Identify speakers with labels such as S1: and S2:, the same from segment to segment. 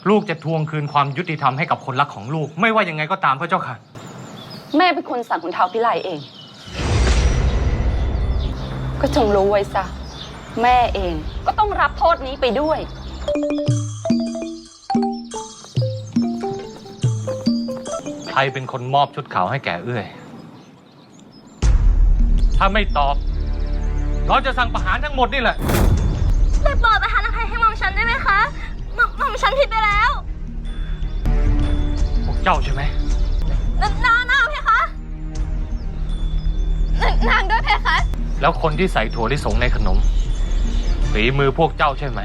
S1: ลูกจะทวงคืนความยุติธรรมให้กับคนรักของลูกไม่ว่ายังไงก็ตามพระเจ้าค่ะ
S2: แม่เป็นคนสั่งขุนเทาพิไลเองก็จงรู้ไว้ซะแม่เองก็ต้องรับโทษนี้ไปด้วย
S1: ใครเป็นคนมอบชุดขาวให้แก่เอื้อยถ้าไม่ตอบเราจะสั่งประหารทั้งหมดนี่แหละ
S3: ได้โปรดประทานอภัยให้หม่อมฉันได้ไหมคะหม่อมฉันผิดไปแล้ว
S1: พวกเจ้าใช่ไหม
S3: นางเพคะนางด้วยเพคะ
S1: แล้วคนที่ใส่ถั่วลิสงในขนมฝีมือพวกเจ้าใช่ไหม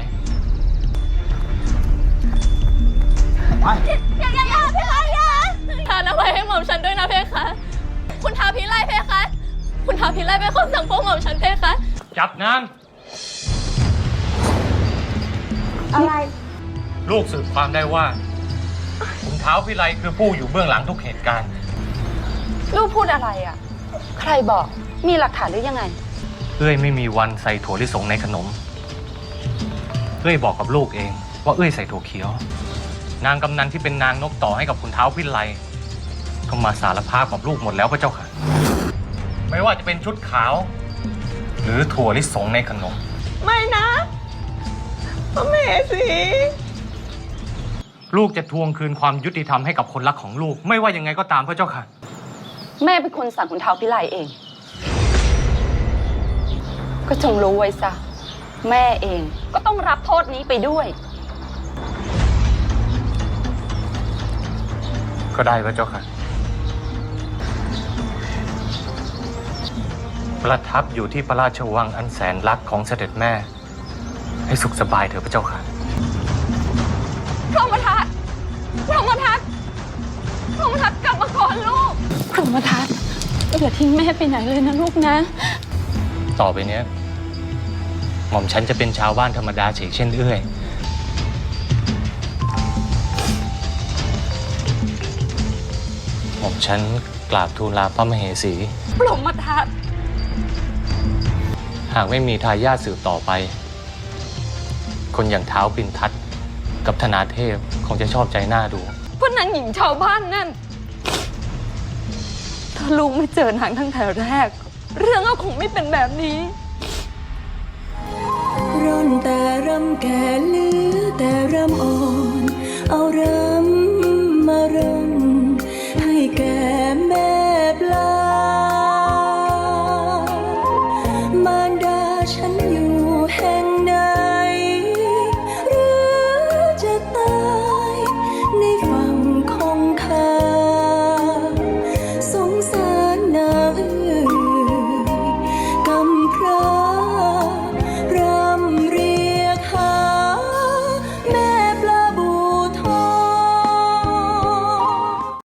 S3: อย่าเพคะอย่าทานอภัยให้หม่อมฉันด้วยนะเพคะคุณท้าวพิไลเพคะคุณท้าวพิไลเป็นคนสั่งพวกหม่อมฉันเพคะ
S1: จับนาง
S2: อะไร
S1: ลูกสืบความได้ว่าขุนท้าวพิไลคือผู้อยู่เบื้องหลังทุกเหตุการณ์
S2: ลูกพูดอะไรอ่ะใครบอกมีหลักฐานหรือยังไง
S1: เอ้ยไม่มีวันใส่ถั่วลิสงในขนมเอ้ยบอกกับลูกเองว่าเอ้ยใส่ถั่วเขียวนางกำนันที่เป็นนางนกต่อให้กับขุนท้าวพิไลก็มาสารภาพกับลูกหมดแล้วพระเจ้าค่ะไม่ว่าจะเป็นชุดขาวหรือถั่วลิสงในขนม
S3: ไม่นะพระมเหสี
S1: ลูกจะทวงคืนความยุติธรรมให้กับคนรักของลูกไม่ว่ายังไงก็ตามพระเจ้าค่ะ
S2: แม่เป็นคนสั่งขุนเทาพิไลเองก็จงรู้ไว้ซะแม่เองก็ต้องรับโทษนี้ไปด้วย
S1: ก็ได้พระเจ้าค่ะประทับอยู่ที่พระราชวังอันแสนรักของเสด็จแม่ให้สุขสบายเถอะพระเจ้าค่ะ
S3: พรหมทัตกลับมาก่อนลูกพรหมทัตอย่าทิ้งแม่ไปไหนเลยนะลูกนะ
S1: ต่อไปเนี้ยหม่อมฉันจะเป็นชาวบ้านธรรมดาเฉกเช่นเอื้อยหม่อมฉันกราบทูลลาพระมเหสี
S3: พรหมทัต
S1: หากไม่มีทายาทสืบต่อไปคนอย่างท้าวปิ่นทัตกับธนาเทพคงจะชอบใจหน้าดู
S3: พวกนางหญิงชาวบ้านนั่นถ้าลูกไม่เจอนางตั้งแต่แรกเรื่องก็คงไม่เป็นแบบนี้
S4: ร่อนแต่รำแก่เหลือแต่รำอ่อน